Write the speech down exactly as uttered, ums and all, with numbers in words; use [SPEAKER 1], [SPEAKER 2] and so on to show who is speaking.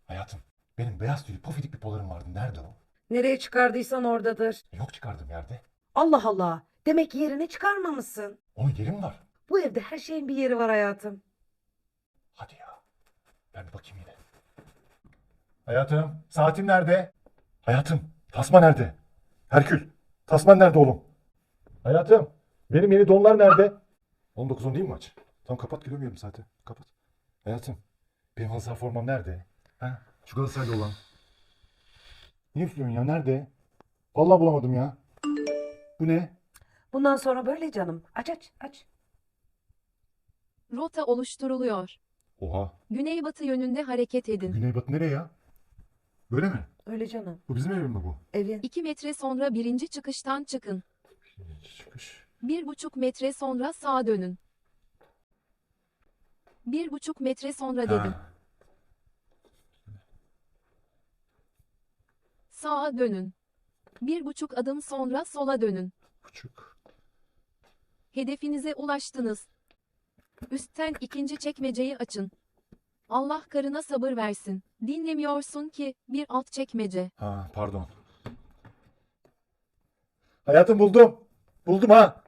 [SPEAKER 1] Hayatım, benim beyaz tüylü pofidik bir polarım vardı. Nerede o?
[SPEAKER 2] Nereye çıkardıysan oradadır.
[SPEAKER 1] Yok, çıkardım yerde.
[SPEAKER 2] Allah Allah. Demek ki yerine çıkarmamışsın.
[SPEAKER 1] Onun yeri mi var?
[SPEAKER 2] Bu evde her şeyin bir yeri var hayatım.
[SPEAKER 1] Hadi ya. Ben bir bakayım yine. Hayatım, saatim nerede? Hayatım, tasma nerede? Herkül, tasman nerede oğlum? Hayatım, benim yeni donlar nerede? on dokuz on değil mi maç? Tamam, kapat, göremiyorum zaten. Kapat. Hayatım, benim halı saha formam nerede? Ha? Şu Galatasaraylı olan. Niye üflüyorsun ya? Nerede? Vallahi bulamadım ya. Bu ne?
[SPEAKER 2] Bundan sonra böyle canım. Aç aç aç.
[SPEAKER 3] Rota oluşturuluyor.
[SPEAKER 1] Oha.
[SPEAKER 3] Güneybatı yönünde hareket edin.
[SPEAKER 1] Güneybatı nereye ya? Böyle mi?
[SPEAKER 2] Öyle canım.
[SPEAKER 1] Bu bizim evim mi bu?
[SPEAKER 2] Evin.
[SPEAKER 3] iki metre sonra birinci çıkıştan çıkın.
[SPEAKER 1] Çıkış.
[SPEAKER 3] bir buçuk metre sonra sağa dönün. bir buçuk metre sonra dedim.
[SPEAKER 1] Ha.
[SPEAKER 3] Sağa dönün. bir buçuk adım sonra sola dönün.
[SPEAKER 1] Buçuk.
[SPEAKER 3] Hedefinize ulaştınız. Üstten ikinci çekmeceyi açın. Allah karına sabır versin. Dinlemiyorsun ki, bir alt çekmece.
[SPEAKER 1] Ha, pardon. Hayatım, buldum. Buldum ha.